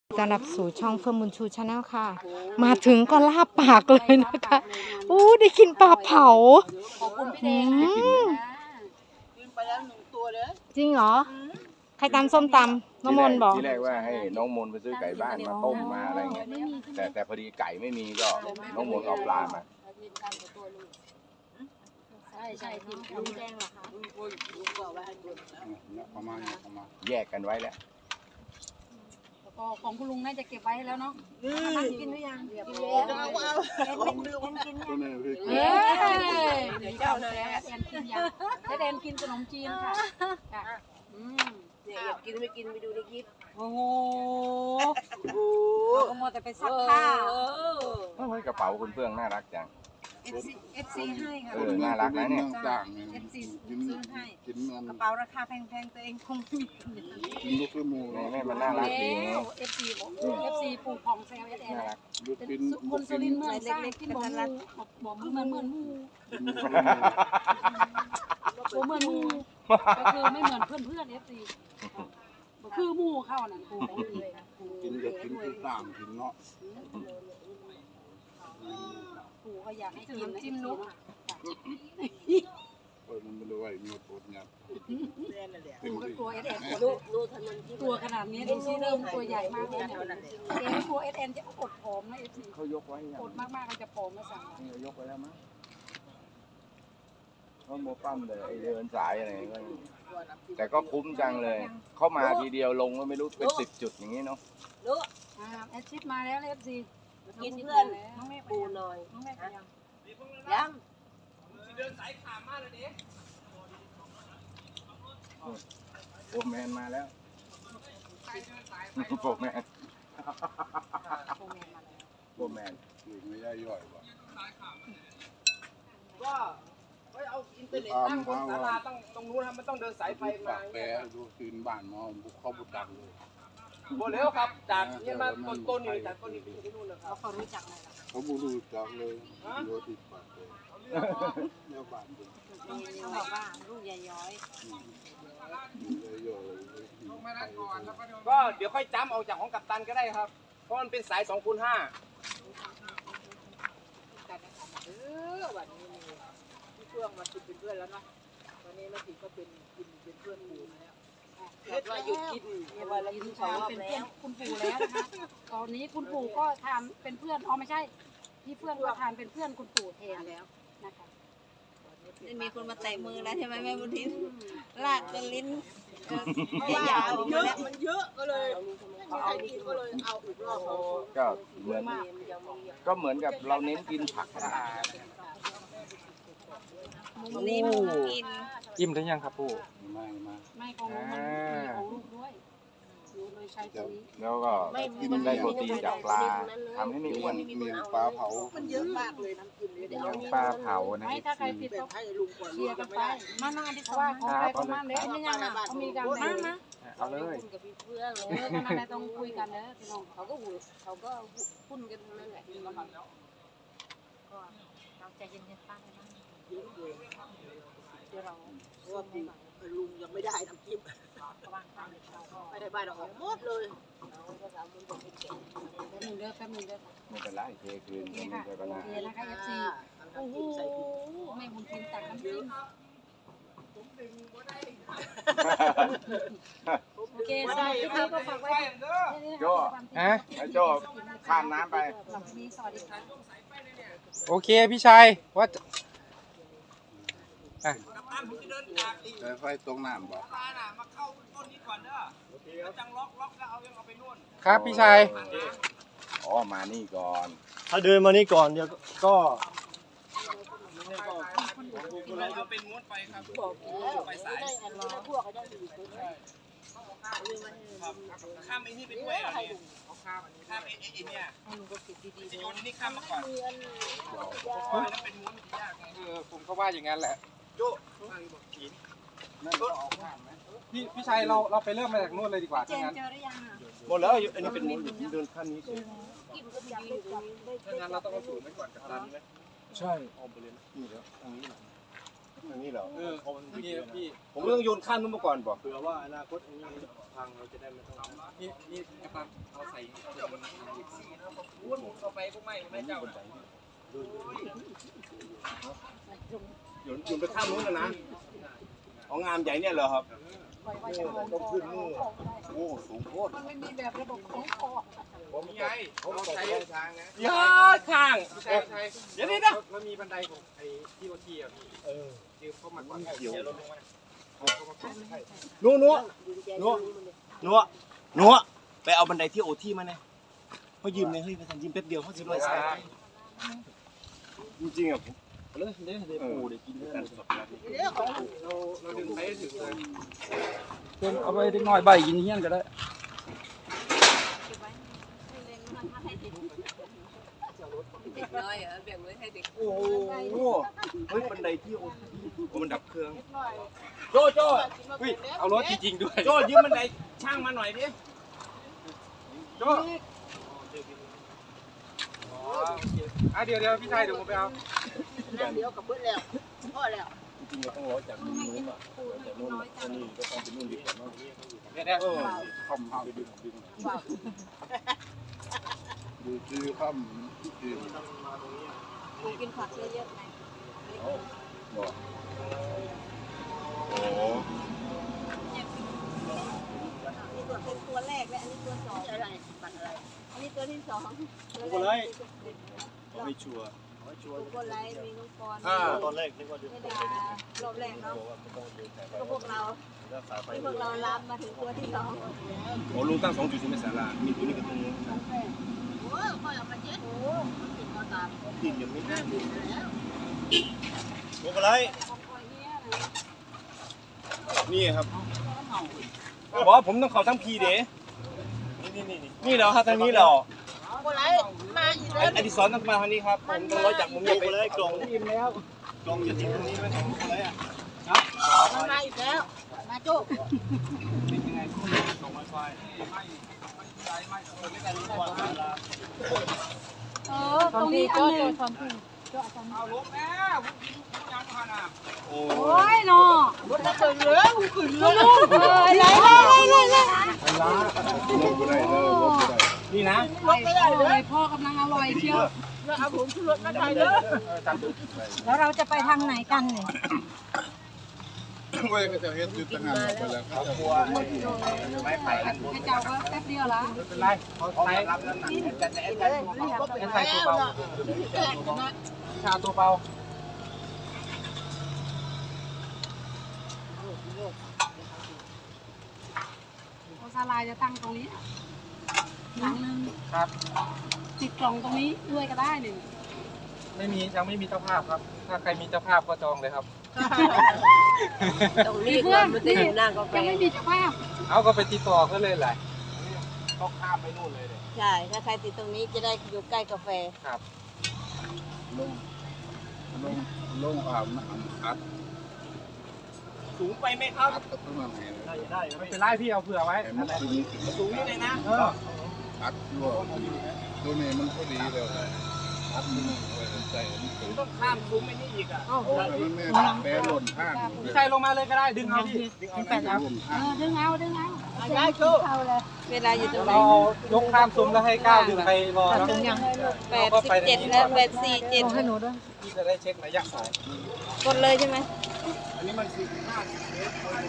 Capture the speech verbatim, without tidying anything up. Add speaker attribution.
Speaker 1: ต้อนรับสู่ช่องเฟิร์มบุญชูชาแนลค่ะมาถึงก็ลาบปากเลยนะคะอู้ได้กินปลาเผา
Speaker 2: ขอบคุณพี่แดงกินไปแล้วหนึ่งตัวเลย
Speaker 1: จริงเหรอใครตำส้มตำน้องมนบอก
Speaker 3: ที่แรกว่าให้น้องมนไปซื้อไก่บ้านมาต้มมาอะไรเงี้ยแต่แต่พอดีไก่ไม่มีก็น้องมนเอาปลามา
Speaker 2: ใช่ใช่ทีมลุงแดงเหรอคะลุงลุงบอกว่าให้ดู
Speaker 3: ประมาณประมาณแยกกันไว้แล้ว
Speaker 2: ของคุณลุงน่าจะเก็บไว้แล้วเนาะกินหรือยังกินแล้วเอาเอากินกินยังเฮ้ยเดี๋ยวเจ้าเลยแอนกินยังให้แอนกินขนมจีนค่ะอืมเนี่ยอยากกินไม่กินไปดูในคลิปโอ้โหโอ้เราก็มัวแต่ไปซักผ้า
Speaker 3: เฮ้ยกระเป๋าคุณเฟื่องน่ารักจัง
Speaker 2: เอฟซีเอฟซีให้ค่ะ
Speaker 3: เออน่ารักนะเนี่ย
Speaker 2: เอฟซีซื้อให้กระเป๋าราคาแพงๆตัวเองคงไม่มี
Speaker 3: กินลูกมูนี่แม่มันน่ารักดี
Speaker 2: เอฟซีเอฟซีปลูกของแซวเอสเอ็นคนสุรินทร์เมืองสร้างที่บอกบอกเหมือนเหมือนมูบอกเหมือนมูก็คือไม่เหมือนเพื่อนเพื่อนเอฟซีคือมูเข้านั่น
Speaker 4: กินเด็กกินคือต่างกินเนาะ
Speaker 2: ปู่ก็อยากให้กินจิ้มนุ๊ก
Speaker 4: เปิดมันไม่รู้ว่ามีโปรตีน
Speaker 2: ปู่ก็ตัวเอสเอ็นตัวขนาดนี้ดูซิเริ่มตัวใหญ่มากเลยเนี่ยเอ็นตัวเอสเอ็นจะอดผอมนะเอฟซี
Speaker 3: เขายกไว้
Speaker 2: อดมากๆก็จะผอมมาสั่ง
Speaker 3: นี่ยกไว้แล้วมั้งเขาโมปั้มเลยไอเดินสายอะไรก็แต่ก็คุ้มจังเลยเข้ามาทีเดียวลงก็ไม่รู้เป็นสิบจุดอย่างนี้เนาะ
Speaker 2: รู้อ่าแอดชิปมาแล้วเอฟซี
Speaker 5: กินเพื่อนน้องแม่ปูหน่อย
Speaker 2: น้องแม่ยัง
Speaker 5: ยัง
Speaker 6: เดินสายขามมาเลยดิ
Speaker 3: โฟร์แมนมาแล้วโฟร์แมนโฟร์แมน
Speaker 4: ไม่ได้ย่อยว่ะ
Speaker 6: ก็ไม่เอาอินเทอร์เน็ตตั้งบนศาลาต้องตรงนู้นครับมันต้องเดินสายไฟมา
Speaker 4: แปรดูคืนบ้านมอบุกเข้าบุกดังเลย
Speaker 6: โบเลี้ยวครับจากนี่มาต้นต้นนี่จากต้นนี้ไปที่นู่นนะครับ
Speaker 2: เขารู้จักไหมล่ะ
Speaker 4: เขาบูรู้จักเลยโยติดปากเลยเลี้ยวบ้านเลย
Speaker 2: เขาบอกว่าลูกใหญ่ย้อย
Speaker 6: ก็เดี๋ยวค่อยจ้ำเอาจากของกัปตันก็ได้ครับเพราะมันเป็นสายสองคูณห้า
Speaker 5: เออวันนี้นี่พี่เฟื่องมากินเป็นเพื่อนแล้วเนาะวันนี้แม่ติ๋มก็เป็นกินเป็นเพื่อนหมู่แล้วเห็นว่าหยุดกินเนี่ยว่าเรากินของ
Speaker 2: เป็นเพื่อนคุณปู่แล้วนะคะตอนนี้คุณปู่ก็ทานเป็นเพื่อนอ๋อไม่ใช่พี่เฟื่องก็ทานเป็นเพื่อนคุณปู่แทนแล้วนะคะ
Speaker 5: นี่มีคนมาแตะมือแล้วใช่ไหมแม่บุญทินลากจนลิ้น
Speaker 2: ยาว
Speaker 5: เยอะมันเยอะก็เลย
Speaker 2: ไม่มีใครกินก็เลยเอาอีกรอบ
Speaker 3: ก็เหมือนก็เหมือนกับเราเน้นกินผักสะอาด
Speaker 5: นี่กิน
Speaker 3: จิ้มได้ยังครับปู่
Speaker 4: ไม่มา
Speaker 2: ไม่ของลูกมันมีของลูกด้วยโดยใช้ตัวนี้
Speaker 3: แล้วก็กินได้โปรตีนจากปลาทำให้ไม่อ้วน
Speaker 4: เมียงปลาเผา
Speaker 5: มันเยอะมากเลยน้ำกิน
Speaker 3: เมียงปลาเผานะ
Speaker 2: ไม่ถ้าใครผิดก็เชียร์กันไปมามาดิเพราะว่าของใครของมันเด้อนี่ยังเขามีกันมามา
Speaker 3: เอาเลย
Speaker 5: กับพี่เพื่อน
Speaker 2: เลยนั่นอะไรต้องคุยกันเด้อพี่น้อง
Speaker 5: เขาก็หูเขาก็พุ่นกันทั้งนั้นแหละก็เราใจเย็นๆป้าเลยนะเดี๋ยวเราว่าลุงยังไม่ได้น้ำจิ้มไม่ได้บ้านเราออกหมดเลย
Speaker 2: แป๊บนึงเด้อแป๊บนึงเด้อ
Speaker 3: ไม่เป็นไรเทคืน
Speaker 2: นี่ค่ะโอเคนะคะเอฟซีโอ้โหแม่บุญทินตักน้ำจิ้มโอเคสำหรับคลิปนี้ก็ฝากไว้
Speaker 3: โจ้ฮะโจ้ข้ามน้ำไป
Speaker 6: โอเคพี่ชัยว่า
Speaker 4: แต่ไฟตรงน้ำบอก
Speaker 6: มาเข้าต้นนี้ก่อนเด้อแล้วจังล็อกล็อกแล้วเอายังเอาไปนู่นครับพี่ชัย
Speaker 3: อ๋อมานี่ก่อน
Speaker 6: ถ้าเดินมานี่ก่อนเดี๋ยวก็เราเป็นม้วนไปครับไปสายข้ามไอ้นี่ไปด้วยเหรอเนี่ยข้ามไอ้ไอ้เนี่ยจะโยนนี่ข้ามมาก่อนแล้วเป็นม้วนมันยากไงเออผมก็ว่าอย่างนั้นแหละโจ้นั่นก็ออกข้ามไหมพี่พี่ชัยเราเราไปเริ่มมาจากนู้นเลยดีกว่าถ้างั้นหมดแล้วอันนี้เป็นม้วนเดินขั้นนี้สิถ้างั้นเราต้องเอาสูงไว้ก่อนกับตามนี้ไหมใช่ออมไปเลยนี่แล้วตรงนี้หน่อย
Speaker 4: อันนี้เหรอ
Speaker 6: เออนี่พี่ผมต้องโยนข้ามนู้นมาก่อนบอก
Speaker 4: เผื่อว่าอนาคตอันนี้พังเราจะได้ไม่ต้อง
Speaker 6: นี่นี่กระปังเอาใส่วุ้นเข้าไปพวกไม่ไม่เจ้าน่ะโยนโยนไปข้ามนู้นนะนะของงามใหญ่เนี่ยเหรอครับ
Speaker 4: ต้องขึ้นนู่นโอ้สูงโคตร
Speaker 2: มันไม่มีแบบระบบของคอ
Speaker 6: ผมมีไงผมใช้ทางนะ
Speaker 4: ยอดข้าง
Speaker 6: ใช่ใช่เดี๋ยวนี้นะมันมีบันไดของไอ้ที่โอทีอ่ะพี่
Speaker 4: เออ
Speaker 6: ยืมเข้ามาก่อนเดี๋ยวลงมา
Speaker 4: นัวนัวนัวนัวนัวไปเอาบันไดที่โอที่มาเนี่ยเขายืมเนี่ยเฮ้ยไปทำยืมแป๊บเดียวเขาจะรวยสายจริงๆอ่ะผมเลยเดี๋ยวเดี๋ยวปูเดี๋ยวกินเรื่องสดนะ
Speaker 6: เราเราดึงไปให้ถึงเลย
Speaker 7: เอาไปเล็กน้อยใบกินเฮี้ยนก็ได้
Speaker 2: เด็กน้อยเหรอแบ่งไว้ให้เด็ก
Speaker 4: โอ้โหเฮ้ยบันไดที่โอที่มันดับเครื่อง
Speaker 6: โจโจอุ้ยเอารถจริงๆด้วยโจยืมบันไดช่างมาหน่อยดิโจอ่ะเดี๋ยวเดี๋ยวพี่ชายเดี๋ยวผมไปเอา
Speaker 5: นั่งเดียวกับเบิ้ลแล้วพ่อแล้ว
Speaker 4: จริงๆเราต้องร้อยจากนู่นนู้นอ่ะจากนู่นอันนี้ก็ต้องเป็นนู่นดีกว่าเนาะ
Speaker 6: เดี๋ยวเดี๋ยว
Speaker 4: เออคำเอาไปดึงดึงดูคือคำคือ
Speaker 2: กูกินผักเยอะๆไง
Speaker 4: บอกโอ้
Speaker 2: นี่ตัวเป็นตัวแรกและอันนี้ตัวสอง
Speaker 5: อะไรปันอะไร
Speaker 2: อันนี้ตัวที่สอง
Speaker 4: โหเลยไม่ชัวร์
Speaker 2: ทุกคนไลฟ์มีน้องกร
Speaker 4: อ่าตอนแรกนึกว่าจะ
Speaker 2: ไม่ได้รอบแรกเนาะ
Speaker 4: บอกว่าไม่ต้องเดินสายไฟ
Speaker 2: ก็พวกเรา
Speaker 4: รักษาไฟ
Speaker 2: ที่พวกเราลามมาถึงตัวที่สอง
Speaker 6: โอ้ลุงตั้งสองจุดใช่ไหมสารา
Speaker 4: มีตัวนี้กับตัวนี้
Speaker 5: โอ้พ่อเอามาเจ็ดโอ้ติดมาตาม
Speaker 4: ติดอย่างนี้
Speaker 5: นั่งติดแล้ว
Speaker 4: โอ้อะไรนี่ครับ
Speaker 6: บอกว่าผมต้องเขาทั้งพีเด๋
Speaker 4: นี่นี่นี่
Speaker 6: นี่เหรอครับทางนี้เหรอ
Speaker 5: โอ้ไรมาอีก
Speaker 6: ไอ้
Speaker 5: แล้ว
Speaker 6: อดิศรต้องมาทางนี้ครับผมต้องร้อยจากมุม
Speaker 4: โอ้
Speaker 6: นี้ไป
Speaker 4: อะไรกล่องอิ่มแล้วกล่องอย่าทิ้งตรงนี้ไว้ของอะไรอ่ะ
Speaker 5: มันมาอีกแล้วมาโจ้
Speaker 2: เออตรงนี้อันหนึง
Speaker 6: เอาลบแม่ผมยังผ่านอ่ะ
Speaker 4: โอ้
Speaker 2: โอ้ยเนาะ
Speaker 5: รถระเบิดเหลือหูขึ้นเลย
Speaker 2: ลูกเอ้ยไหลไหลไหลไหล
Speaker 4: ลบไปได้เลยลบไปได้
Speaker 6: นี่นะ
Speaker 5: รถไม่ได้เลย
Speaker 2: พ่อกำลังอร่อยเชียว
Speaker 5: แล้วเอาผมขึ้นรถมาได้เลย
Speaker 2: แล้วเราจะไปทางไหนกันเนี่ย
Speaker 4: เว้ยก็จะเฮ็ดจุดตั้งงานไปแล้วครับ
Speaker 6: ไม่ไปกัน
Speaker 2: ไอ้เจ้าก็แป๊บเดียวละ
Speaker 6: เป็นไรเขาใช้รับน้ำหนักแต่แต่แต่แต่ใส่ตัวเบาชาตัวเบา
Speaker 2: โอซาลายจะตั้งตรงนี้หลังนึง
Speaker 6: ครับ
Speaker 2: ติดกล่องตรงนี้ด้วยก็ได้หนึ่ง
Speaker 6: ไม่มียังไม่มีเจ้าภาพครับ ถ้าใครมีเจ้าภาพก็จองเลยครับ
Speaker 2: ตรงนี้เพื่อนที่ยังไม่มีเจ้าภาพ
Speaker 6: เอาก็ไปติดต่อเขาเลยแหละต้องข้ามไปนู่นเลยเลย
Speaker 2: ใช่ ถ้าใครติดตรงนี้จะได้อยู่ใกล้กาแฟ
Speaker 6: ครับ
Speaker 4: ลงลงลงอาบน้ำอัด
Speaker 6: สูงไปไหมครับ
Speaker 4: อัดกับตัวไหนเลย
Speaker 6: ได้ไม่เป็นไรพี่เอาเผื่อไว้
Speaker 4: แต่มันคือนี้
Speaker 6: สูงนี่เลยนะเออ
Speaker 4: อัดยั่วตัวนี้มันก็ดีแล้วอัดมันใจมันถึง
Speaker 6: ต้องข้ามสูงไปนี่อีกอ่ะ
Speaker 4: โอ้ยมันแม่แปรหล่นข้าง
Speaker 6: พี่ชายลงมาเลยก็ได้ดึงเอาพี่ดึงเอานะครับ
Speaker 2: เออ ดึงเอา ดึงเอา
Speaker 5: ได้โจ้
Speaker 2: เอาเลย เวลาอยู่ตรงไหน
Speaker 6: เรายกข้ามซุ้มแล้วให้ก้าวดึงไปรอแล้ว
Speaker 2: แปดสิบเจ็ดและแปดสี่เจ็ดให้หนูด้วย
Speaker 6: พี่จะได้เช็คระยะสาย
Speaker 2: กดเลยใช่ไหม
Speaker 4: อันนี้มันสิบห้า